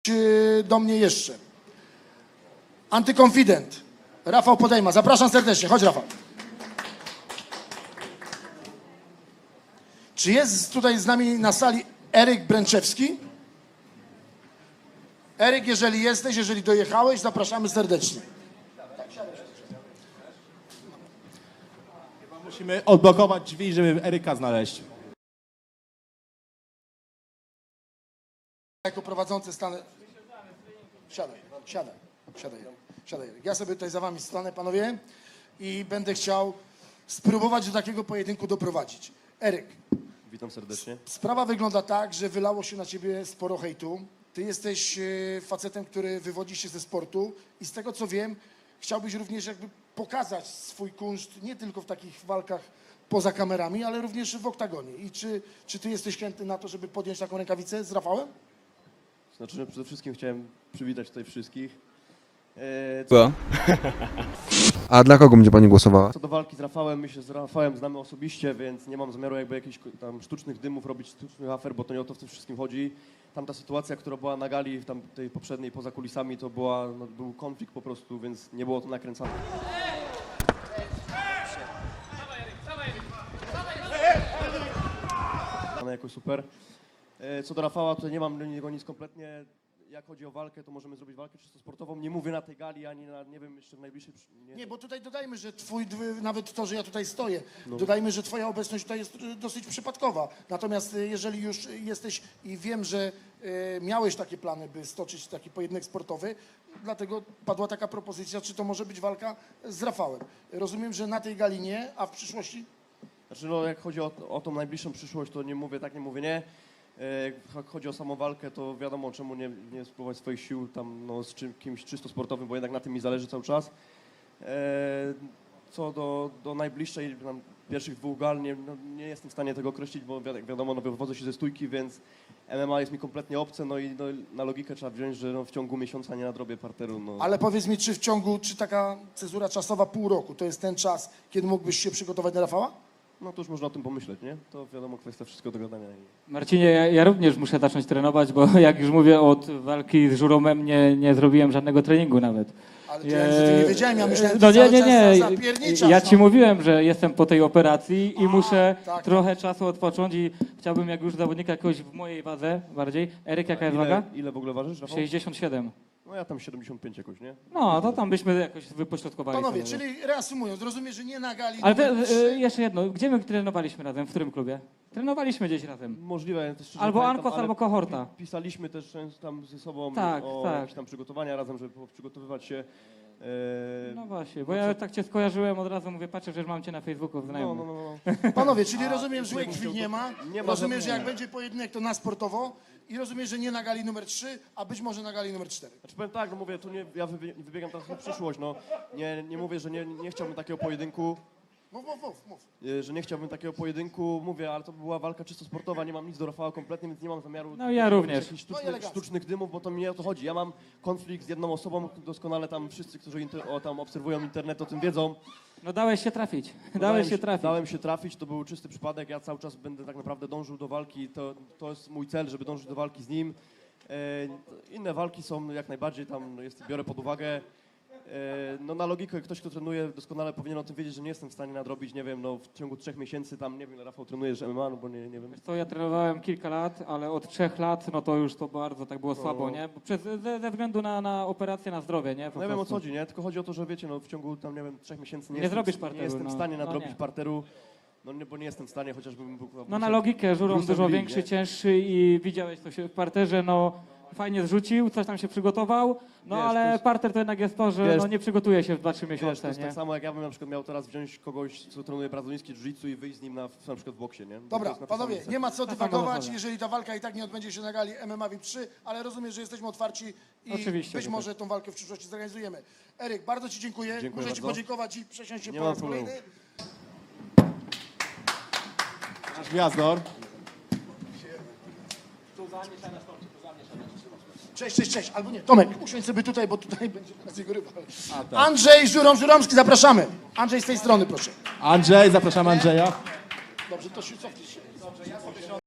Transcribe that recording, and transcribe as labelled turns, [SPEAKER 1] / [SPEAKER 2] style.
[SPEAKER 1] do mnie jeszcze. Antykonfident. Rafał Podejma. Zapraszam serdecznie. Chodź, Rafał. Czy jest tutaj z nami na sali Eryk Bręczewski? Eryk, jeżeli jesteś, jeżeli dojechałeś, zapraszamy serdecznie.
[SPEAKER 2] Musimy odblokować drzwi, żeby Eryka znaleźć.
[SPEAKER 1] Jako prowadzący stanę... Siadaj. Ja sobie tutaj za wami stanę, panowie, i będę chciał spróbować do takiego pojedynku doprowadzić. Eryk.
[SPEAKER 3] Witam serdecznie.
[SPEAKER 1] Sprawa wygląda tak, że wylało się na ciebie sporo hejtu. Ty jesteś facetem, który wywodzi się ze sportu i z tego co wiem, chciałbyś również jakby pokazać swój kunszt nie tylko w takich walkach poza kamerami, ale również w oktagonie. I czy ty jesteś chętny na to, żeby podjąć taką rękawicę z Rafałem?
[SPEAKER 3] Znaczy, że przede wszystkim chciałem przywitać tutaj wszystkich.
[SPEAKER 4] Co? A dla kogo będzie pani głosowała?
[SPEAKER 3] Co do walki z Rafałem, my się z Rafałem znamy osobiście, więc nie mam zamiaru jakby jakichś tam sztucznych dymów robić, sztucznych afer, bo to nie o to w tym wszystkim chodzi. Tamta sytuacja, która była na gali, tam tej poprzedniej, poza kulisami, to był konflikt po prostu, więc nie było to nakręcane. Jakoś super. Co do Rafała, to nie mam do niego nic kompletnie. Jak chodzi o walkę, to możemy zrobić walkę czysto sportową. Nie mówię na tej gali, ani na, nie wiem, jeszcze w najbliższej...
[SPEAKER 1] Nie, bo tutaj dodajmy, że nawet to, że ja tutaj stoję, dodajmy, że twoja obecność tutaj jest dosyć przypadkowa. Natomiast jeżeli już jesteś i wiem, że miałeś takie plany, by stoczyć taki pojedynek sportowy, dlatego padła taka propozycja, czy to może być walka z Rafałem. Rozumiem, że na tej gali nie, a w przyszłości?
[SPEAKER 3] Znaczy, no, jak chodzi o tą najbliższą przyszłość, to nie mówię tak, nie mówię nie. Jak chodzi o samą walkę, to wiadomo, czemu nie spróbować swoich sił tam no, z kimś czysto sportowym, bo jednak na tym mi zależy cały czas. Co do najbliższej, tam, pierwszych dwóch gal, nie jestem w stanie tego określić, bo jak wiadomo, no, wywodzę się ze stójki, więc MMA jest mi kompletnie obce, no i na logikę trzeba wziąć, że no, w ciągu miesiąca nie nadrobię parteru. No.
[SPEAKER 1] Ale powiedz mi, czy taka cezura czasowa pół roku, to jest ten czas, kiedy mógłbyś się przygotować na Rafała?
[SPEAKER 3] No to już można o tym pomyśleć, nie? To wiadomo, kwestia wszystko do gadania.
[SPEAKER 5] Marcinie, ja również muszę zacząć trenować, bo jak już mówię, od walki z Żuromem nie zrobiłem żadnego treningu nawet.
[SPEAKER 1] Ale to ja nie wiedziałem, ja myślałem,
[SPEAKER 5] no
[SPEAKER 1] że
[SPEAKER 5] nie.
[SPEAKER 1] zapierniczasz.
[SPEAKER 5] Ja ci mówiłem, że jestem po tej operacji i muszę
[SPEAKER 1] tak.
[SPEAKER 5] trochę czasu odpocząć i chciałbym jak już zawodnika jakoś w mojej wadze bardziej. Eryk, jaka jest waga?
[SPEAKER 3] Ile w ogóle ważysz, Rafał?
[SPEAKER 5] 67.
[SPEAKER 3] No ja tam 75 jakoś, nie?
[SPEAKER 5] No, to tam byśmy jakoś wypośrodkowali.
[SPEAKER 1] Panowie,
[SPEAKER 5] sobie.
[SPEAKER 1] czyli reasumując, rozumiem, że nie na gali
[SPEAKER 5] Ale
[SPEAKER 1] numer 3.
[SPEAKER 5] jeszcze jedno, gdzie my trenowaliśmy razem, w którym klubie? Trenowaliśmy gdzieś razem.
[SPEAKER 3] Możliwe, ja też szczerze
[SPEAKER 5] Albo
[SPEAKER 3] pamiętam,
[SPEAKER 5] Ankos,
[SPEAKER 3] ale
[SPEAKER 5] albo Kohorta.
[SPEAKER 3] Pisaliśmy też często tam ze sobą
[SPEAKER 5] Tak,
[SPEAKER 3] o
[SPEAKER 5] tak.
[SPEAKER 3] jakieś tam przygotowania razem, żeby przygotowywać się.
[SPEAKER 5] No właśnie, bo ja tak cię skojarzyłem od razu, mówię, patrzę, że mam cię na Facebooku znajomych.
[SPEAKER 3] No.
[SPEAKER 1] Panowie, czyli rozumiem, że złej krwi nie ma.
[SPEAKER 3] Nie ma
[SPEAKER 1] Rozumiem, że
[SPEAKER 3] żadnego.
[SPEAKER 1] jak będzie pojedynek, to na sportowo. I rozumiem, że nie na gali numer 3, a być może na gali numer 4.
[SPEAKER 3] Znaczy powiem tak, no mówię, to nie, ja wybiegam teraz w przyszłość, no. Nie mówię, że nie chciałbym takiego pojedynku.
[SPEAKER 1] Mów.
[SPEAKER 3] Że nie chciałbym takiego pojedynku, mówię, ale to była walka czysto sportowa, nie mam nic do Rafała kompletnie, więc nie mam zamiaru
[SPEAKER 5] No ja również.
[SPEAKER 3] jakichś sztucznych dymów, bo to mi nie o to chodzi. Ja mam konflikt z jedną osobą, doskonale tam wszyscy, którzy tam obserwują internet, o tym wiedzą.
[SPEAKER 5] No dałeś się trafić.
[SPEAKER 3] Dałem się trafić, to był czysty przypadek, ja cały czas będę tak naprawdę dążył do walki, to jest mój cel, żeby dążyć do walki z nim. Inne walki są jak najbardziej tam, biorę pod uwagę. No na logikę ktoś, kto trenuje, doskonale powinien o tym wiedzieć, że nie jestem w stanie nadrobić, nie wiem, no w ciągu 3 miesięcy tam, nie wiem, Rafał trenujesz MMA, no bo nie wiem.
[SPEAKER 5] To ja trenowałem kilka lat, ale od 3 lat, no to już to bardzo tak było słabo, nie? Bo ze względu na operację, na zdrowie, nie?
[SPEAKER 3] No ja wiem o co chodzi, nie? Tylko chodzi o to, że wiecie, no w ciągu tam, nie wiem, 3 miesięcy
[SPEAKER 5] Nie zrobisz parteru,
[SPEAKER 3] nie jestem w stanie
[SPEAKER 5] no
[SPEAKER 3] nadrobić
[SPEAKER 5] nie.
[SPEAKER 3] parteru, no nie, bo nie jestem w stanie, chociażbym był...
[SPEAKER 5] No na logikę, Żurom
[SPEAKER 3] Bruce
[SPEAKER 5] dużo
[SPEAKER 3] Lee,
[SPEAKER 5] większy,
[SPEAKER 3] nie?
[SPEAKER 5] cięższy i widziałeś to się w parterze, no fajnie zrzucił, coś tam się przygotował, no
[SPEAKER 3] Wiesz,
[SPEAKER 5] ale
[SPEAKER 3] to jest-
[SPEAKER 5] parter to jednak jest to, że
[SPEAKER 3] wiesz,
[SPEAKER 5] no nie przygotuje się w 2-3
[SPEAKER 3] Wiesz, to
[SPEAKER 5] miesiące,
[SPEAKER 3] jest
[SPEAKER 5] nie?
[SPEAKER 3] tak samo, jak ja bym na przykład miał teraz wziąć kogoś, co trenuje brazylijski jiu-jitsu i wyjść z nim na przykład w boksie, nie? To
[SPEAKER 1] Dobra,
[SPEAKER 3] jest na tej
[SPEAKER 1] panowie,
[SPEAKER 3] samej
[SPEAKER 1] nie ma co
[SPEAKER 5] sama
[SPEAKER 1] dywagować,
[SPEAKER 5] zasada.
[SPEAKER 1] jeżeli ta walka i tak nie odbędzie się na gali MMA VIP 3, ale rozumiem, że jesteśmy otwarci i
[SPEAKER 5] Oczywiście,
[SPEAKER 1] być
[SPEAKER 5] że
[SPEAKER 1] może tą walkę w przyszłości zorganizujemy. Eryk, bardzo ci dziękuję.
[SPEAKER 3] Dziękuję
[SPEAKER 1] Muszę ci
[SPEAKER 3] bardzo.
[SPEAKER 1] podziękować i przesiąść się
[SPEAKER 3] Nie
[SPEAKER 1] po
[SPEAKER 3] ma
[SPEAKER 1] raz
[SPEAKER 3] problemu.
[SPEAKER 1] kolejny.
[SPEAKER 2] Nasz gwiazdor.
[SPEAKER 1] Cześć. Albo nie, Tomek, usiądź sobie tutaj, bo tutaj będzie teraz jego rywal.
[SPEAKER 2] tak.
[SPEAKER 1] Andrzej Żuromski, zapraszamy. Andrzej z tej strony, proszę.
[SPEAKER 2] Andrzej, zapraszamy Andrzeja.
[SPEAKER 1] Dobrze, to się cofnij się.